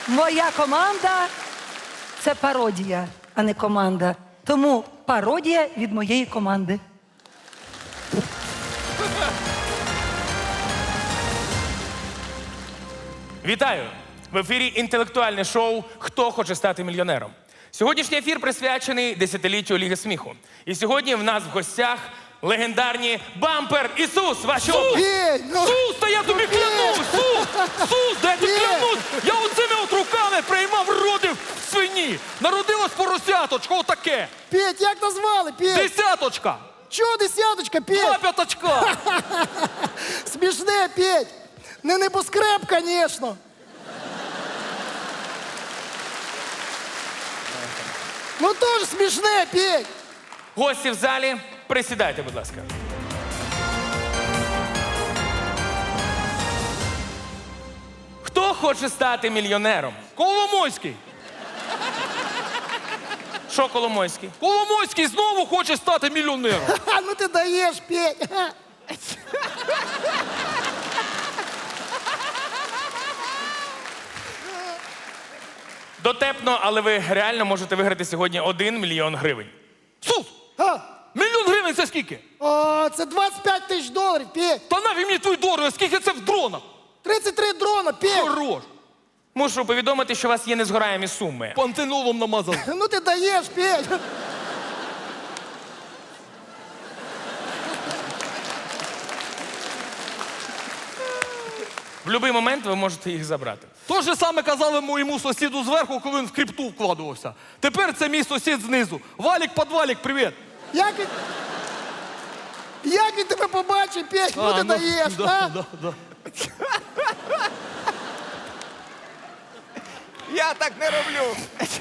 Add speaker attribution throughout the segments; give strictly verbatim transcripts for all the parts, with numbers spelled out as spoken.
Speaker 1: Моя команда – це пародія, а не команда. Тому пародія від моєї команди.
Speaker 2: Вітаю! В ефірі інтелектуальне шоу «Хто хоче стати мільйонером?». Сьогоднішній ефір присвячений десятиліттю Ліги сміху. І сьогодні в нас в гостях легендарні Бампер і Сус. Ваші оплески.
Speaker 3: Петь, ну,
Speaker 4: Сус, та я тобі клянусь! Сус! Сус, да я тобі
Speaker 3: Петь!
Speaker 4: клянусь! Я оцими от руками приймав роди в свині! Народилось поросяточко, отаке!
Speaker 3: Петь, як назвали, Петь?
Speaker 4: Десяточка!
Speaker 3: Чого десяточка,
Speaker 4: Два
Speaker 3: Петь?
Speaker 4: п'ятачка!
Speaker 3: Смішне, Петь. Не небоскреб, звісно. Ну теж смішне, Петь.
Speaker 2: Гості в залі, присідайте, будь ласка. Хто хоче стати мільйонером?
Speaker 4: Коломойський!
Speaker 2: Що Коломойський?
Speaker 4: Коломойський знову хоче стати мільйонером!
Speaker 3: Ха, ну ти даєш, Петь. Ха.
Speaker 2: Дотепно, але ви реально можете виграти сьогодні один мільйон гривень.
Speaker 4: Сус!
Speaker 3: Ха.
Speaker 4: Мільйон гривень це скільки?
Speaker 3: О, це двадцять п'ять тисяч доларів, Петь.
Speaker 4: Та нафіг мені твій долар, скільки це в дронах?
Speaker 3: тридцять три дрона, Петь.
Speaker 4: Хорош!
Speaker 2: Мушу повідомити, що у вас є незгораємі суми.
Speaker 4: Пантенолом намазав.
Speaker 3: Ну ти даєш, Петь.
Speaker 2: В будь-який момент ви можете їх забрати.
Speaker 4: То же саме казали моєму сусіду зверху, коли він в крипту вкладувався. Тепер це мій сусід знизу. Валік, подвалік, привіт.
Speaker 3: Як він... Як він тебе побачить, Петь? Ну ти даєш,
Speaker 4: да,
Speaker 3: а?
Speaker 4: да, да.
Speaker 5: Я так не роблю.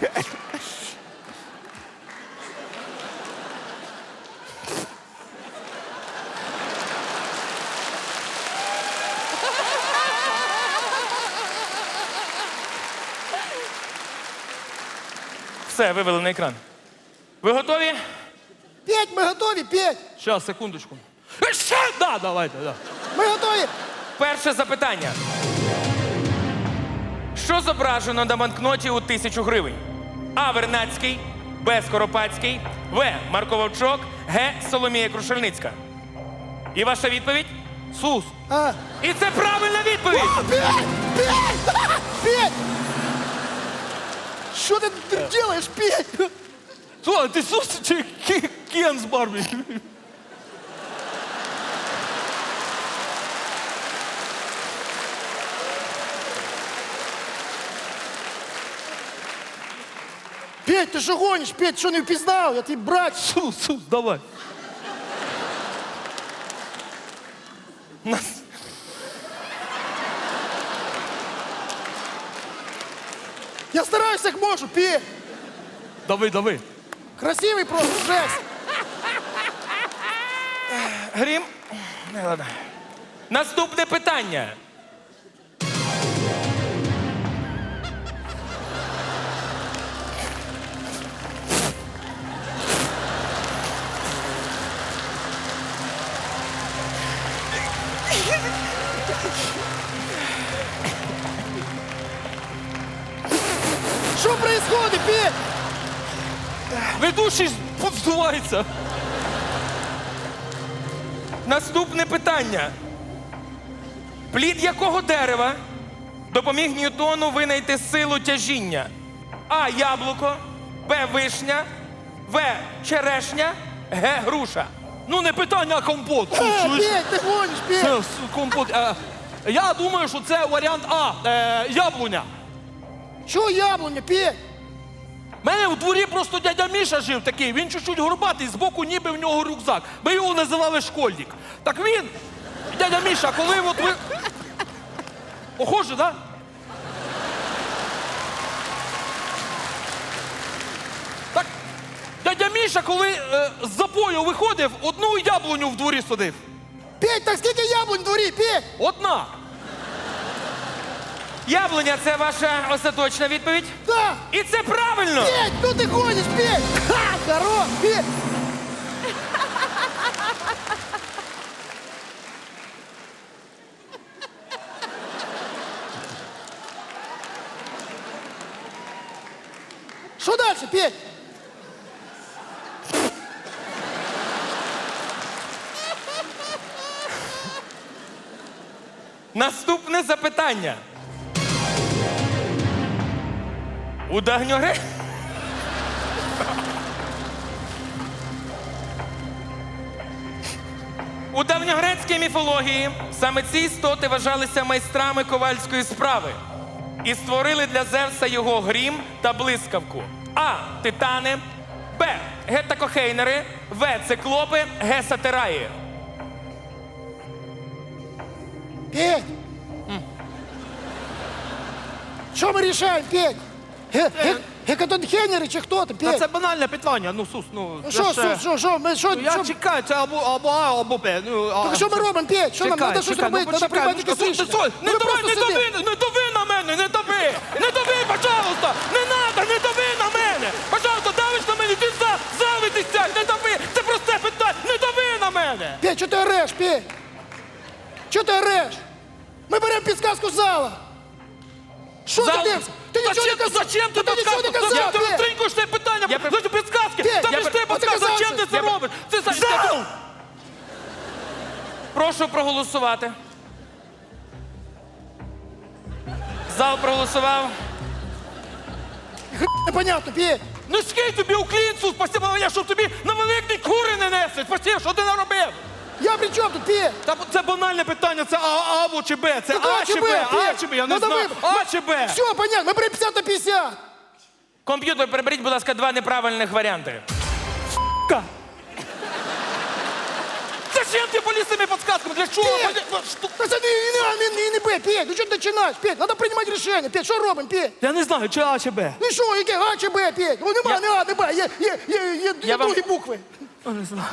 Speaker 2: Все, вивели на екран. Ви готові?
Speaker 3: Петь, ми готові, Петь.
Speaker 4: Щас, секундочку. Е, Ще? Да, давайте, да.
Speaker 3: Ми готові.
Speaker 2: Перше запитання. Що зображено на банкноті у тисячу гривень? А. Вернадський, Б. Скоропадський, В. Марко Вовчок, Г. Соломія Крушельницька. І ваша відповідь?
Speaker 4: Сус.
Speaker 3: А.
Speaker 2: І це правильна відповідь!
Speaker 3: Петь! Петь! Петь! Що ти тут робиш, Петь?
Speaker 4: Слухай, ти Сус чи Кі- Кен з Барбі?
Speaker 3: Петь, ти що гониш? Петь, що не впізнав? Я твій брат.
Speaker 4: Сус, Сус, давай.
Speaker 2: Нас...
Speaker 3: Я стараюся, як можу, Петь.
Speaker 4: Давай, давай.
Speaker 3: Красивий просто, жесть.
Speaker 2: Грім? Не, ладно. Наступне питання.
Speaker 3: Що происходит, Петь?
Speaker 4: Ведучий повздувається.
Speaker 2: Наступне питання. Плід якого дерева допоміг Ньютону винайти силу тяжіння? А. Яблуко, Б. Вишня, В. Черешня, Г. Груша.
Speaker 4: Ну не питання, а компот.
Speaker 3: А,
Speaker 4: Чуєш?
Speaker 3: Петь, ти гониш, Петь.
Speaker 4: Це с- компот. Е, я думаю, що це варіант А. Е, яблуня.
Speaker 3: Що яблуня, Петь?
Speaker 4: У мене у дворі просто дядя Міша жив такий, він чуть-чуть горбатий, збоку ніби в нього рюкзак. Ми його називали школьник. Так він, дядя Міша, коли от ви... Похоже, да? Так, дядя Міша, коли е, з запою виходив, одну яблуню в дворі садив.
Speaker 3: Петь, так скільки яблунь в дворі, Петь?
Speaker 4: Одна.
Speaker 2: Яблуня – це ваша остаточна відповідь?
Speaker 3: Да.
Speaker 2: І це правильно!
Speaker 3: Петь, ну ти гониш, Петь. Ха, хорош, Петь. Що далі, Петь?
Speaker 2: Наступне запитання. У Давньогре... У давньогрецькій міфології саме ці істоти вважалися майстрами ковальської справи і створили для Зевса його грім та блискавку. А. Титани, Б. Гетакохейнери, В. Циклопи, Г. Сатираї.
Speaker 3: Петь! Що ми рішаємо, Петь? Ге- ге- Гекатонхенери чи хто ти,
Speaker 4: Та
Speaker 3: Петь?
Speaker 4: це банальне питання. Ну, Сус, ну.
Speaker 3: Ну,
Speaker 4: це
Speaker 3: Що,
Speaker 4: ще-
Speaker 3: що, що, що, ми, що,
Speaker 4: Ну, я
Speaker 3: що?
Speaker 4: чекаю, це або, або А, або Б. Ну, а,
Speaker 3: Так що ми робимо, Петь? Що нам,
Speaker 4: Чекай,
Speaker 3: треба щось
Speaker 4: чекай, ну,
Speaker 3: робити, треба
Speaker 4: почекай,
Speaker 3: приймати
Speaker 4: ну,
Speaker 3: якесь
Speaker 4: що ти,
Speaker 3: рішення.
Speaker 4: що? Не
Speaker 3: Ми
Speaker 4: давай,
Speaker 3: просто
Speaker 4: не дави,
Speaker 3: сидимо.
Speaker 4: не дави на мене, не дави! Не дави, пожалуйста! Не надо, не дави на мене! Пожалуйста, давиш на мене, ти за, завитись сядь, не дави! Це просте питання, не дави на мене!
Speaker 3: Петь, що ти ореш, Петь? Що ти ореш? Ми беремо підсказку з зала. Що ти
Speaker 2: Зал-
Speaker 3: дивишся? Ти нічого не
Speaker 4: Зачем,
Speaker 3: казав.
Speaker 4: зачем ти
Speaker 3: Ти нічого не
Speaker 4: підказку?
Speaker 3: казав,
Speaker 4: Ти
Speaker 3: Петь.
Speaker 4: розтринькуєш це питання,
Speaker 2: Я при-
Speaker 4: за підсказки!
Speaker 3: Петь,
Speaker 4: Там
Speaker 3: я
Speaker 4: ж
Speaker 3: при-
Speaker 4: ти
Speaker 3: От ти
Speaker 4: підказка,
Speaker 3: казав,
Speaker 4: зачем ти
Speaker 3: що-
Speaker 4: це
Speaker 2: Я при-
Speaker 4: робиш? Ти за...
Speaker 3: Зал!
Speaker 2: Прошу проголосувати. Зал проголосував.
Speaker 3: Непонятно, Петь.
Speaker 4: Ну скинь тобі у клінцу, спасибо, я, щоб тобі на великий кури не несли. Спасибо, що ти наробив?
Speaker 3: Я при чому тут, Петь?
Speaker 4: Та це банальне питання, це А, або чи Б, це
Speaker 3: Так
Speaker 4: А чи Б, А
Speaker 3: Петь?
Speaker 4: чи Б, я не
Speaker 3: Ну, давай.
Speaker 4: знаю, А чи Б.
Speaker 3: Все, понятно, ми беремо п'ятдесят на п'ятдесят.
Speaker 2: Комп'ютер, переберіть, будь ласка, два неправильних варіанти.
Speaker 4: Зачем ти поліз з цими підсказками? Для чого?
Speaker 3: Петь!
Speaker 4: Поли- що?
Speaker 3: Та це не, не, не, не, не Б, Петь, ну що ти починаєш, Петь? Треба приймати рішення, Петь, що робимо, Петь?
Speaker 4: Я не знаю, чи А чи Б.
Speaker 3: Ну що, яке А чи Б, Петь? Ну нема,
Speaker 2: Я-
Speaker 3: не А, не Б, є, є, є, є, є
Speaker 2: вам-
Speaker 3: другі букви.
Speaker 4: Я не знаю.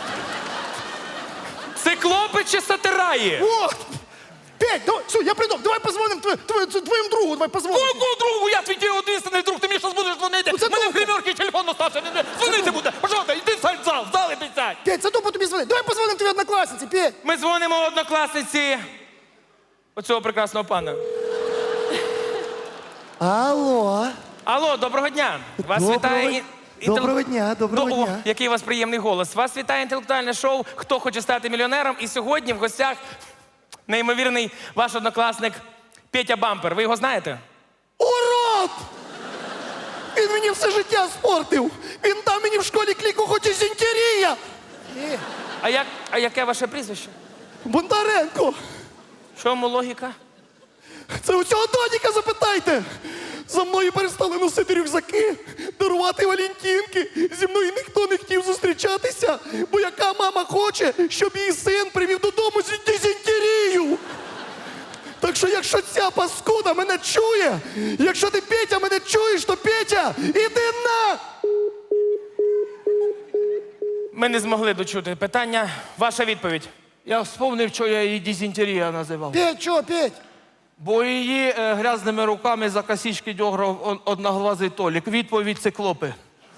Speaker 2: Циклопи чи сатираї?
Speaker 3: О! Петь, давай, все, я придумав, давай позвонимо твоє- твоє- твоєму другу, давай позвонимо.
Speaker 4: Кому другу? Я твій одинственний друг, ти мені зараз будеш дзвонити.
Speaker 3: Ну, це
Speaker 4: Мене в
Speaker 3: добре.
Speaker 4: гримерці телефон остався, не- не- дзвонити буде. Пожалуйста, йди сядь в зал, в зал іди сядь.
Speaker 3: Петь, це тупо тобі дзвонить. Давай позвонимо твоїй однокласниці, Петь.
Speaker 2: Ми дзвонимо однокласниці оцього прекрасного пана.
Speaker 3: Алло.
Speaker 2: Алло, доброго дня. Вас
Speaker 3: Доброго-
Speaker 2: вітає... і-
Speaker 3: доброго дня, доброго
Speaker 2: До- О,
Speaker 3: дня.
Speaker 2: який у вас приємний голос. Вас вітає інтелектуальне шоу «Хто хоче стати мільйонером?» І сьогодні в гостях неймовірний ваш однокласник Петя Бампер. Ви його знаєте?
Speaker 3: Урод! Він мені все життя спортив. Він дав мені в школі кліку хоч і зінтерія.
Speaker 2: А, як, а яке ваше прізвище?
Speaker 3: Бондаренко.
Speaker 2: В чому логіка?
Speaker 3: Це у цього Доніка запитайте. За мною перестали носити рюкзаки, дарувати валентинки. Зі мною ніхто не хотів зустрічатися, бо яка мама хоче, щоб її син привів додому з дизентерію. Так що, якщо ця паскуда мене чує, якщо ти, Петя, мене чуєш, то Петя, іди на...
Speaker 2: Ми не змогли дочути питання. Ваша відповідь.
Speaker 4: Я вспомнив, що я її дизентерія називав.
Speaker 3: Петь, чого, Петь?
Speaker 4: Бо її е, грязними руками за косички дьограв он- одноглазий Толік. Відповідь циклопи.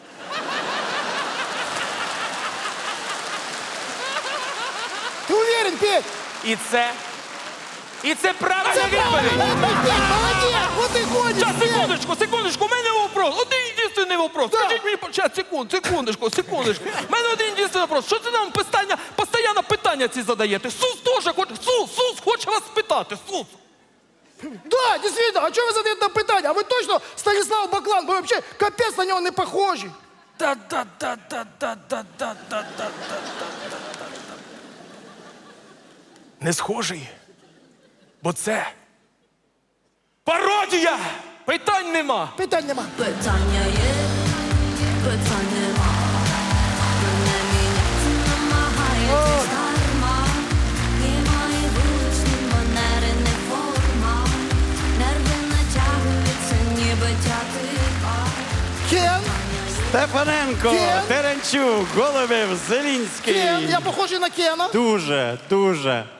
Speaker 3: Ти уверен, Петь?
Speaker 2: І це... І це правильна
Speaker 3: Це
Speaker 2: відповідь!
Speaker 3: Петь, молодець! Вот ти ходиш,
Speaker 4: Сейчас,
Speaker 3: Петь!
Speaker 4: секундочку, секундочку, у мене вопрос. Один єдиний вопрос.
Speaker 3: Да.
Speaker 4: Скажіть мені, сейчас, секунд, секундочку, секундочку. У мене один єдиний вопрос. Що це нам питання, постійно питання ці задаєте? Сус теж хоче, Сус, Сус хоче вас спитати, Сус.
Speaker 3: Да, дійсно, а чого ви задаєте нам питання? А ви точно Станіслав Баклан? Ви взагалі капець на нього не похожі.
Speaker 2: Не схожий. Бо це... Пародія!
Speaker 4: Питань нема.
Speaker 3: Питань нема.
Speaker 5: Питання є, питань нема. Мене міняти намагається дарма. Немає вуличні манери, не форма. Нерви натягуються, ніби тятива.
Speaker 3: Кен,
Speaker 6: Степаненко,
Speaker 3: Кен?
Speaker 6: Теренчук, Голубів, Зелінський.
Speaker 3: Кен, я похожий на Кена.
Speaker 6: Дуже, дуже.